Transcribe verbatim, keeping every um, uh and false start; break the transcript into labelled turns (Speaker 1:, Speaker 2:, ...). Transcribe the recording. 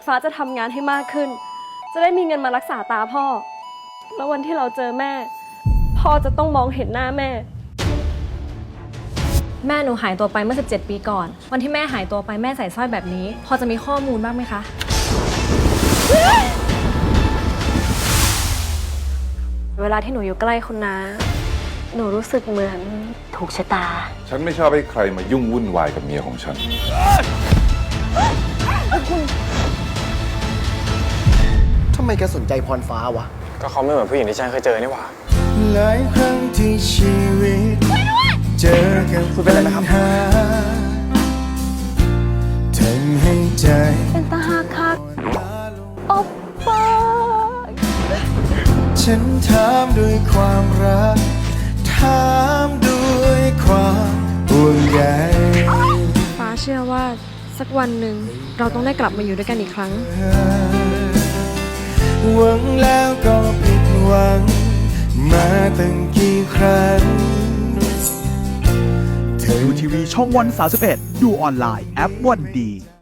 Speaker 1: ฟ้าจะทำงานให้มากขึ้นจะได้มีเงินมารักษาตาพ่อแล้ววันที่เราเจอแม่พ่อจะต้องมองเห็นหน้าแม่
Speaker 2: แม่หนูหายตัวไปเมื่อสิบเจ็ดปีก่อนวันที่แม่หายตัวไปแม่ใส่สร้อยแบบนี้พอจะมีข้อมูลบ้างไหมคะเวลาที่หนูอยู่ใกล้คุณน้าหนูรู้สึกเหมือนถูกชะตา
Speaker 3: ฉันไม่ชอบให้ใครมายุ่งวุ่นวายกับเมียของฉัน
Speaker 4: ทำไมแกสนใจพรฟ้าวะ
Speaker 5: ก็เขาไม่เหมือนผู้หญิงที่ฉันเคยเจอนี่หว่า
Speaker 6: หลายครั้งที่ชีวิตเจอกับปัญหาทำให้ใจ
Speaker 1: เป็นตาหักคักโอ๊ปป้า
Speaker 6: ฉันถามด้วยความรักถามด้วยความห่วงใย
Speaker 1: ฟ้าเชื่อว่าสักวันหนึ่งเราต้องได้กลับมาอยู่ด้วยกันอีกครั้ง
Speaker 6: หวังแล้วก็ผิดหวังมาตั้งกี่ครั้ง
Speaker 7: ดูทีวีช่องวันสามสิบเอ็ดดูออนไลน์แอปวันดี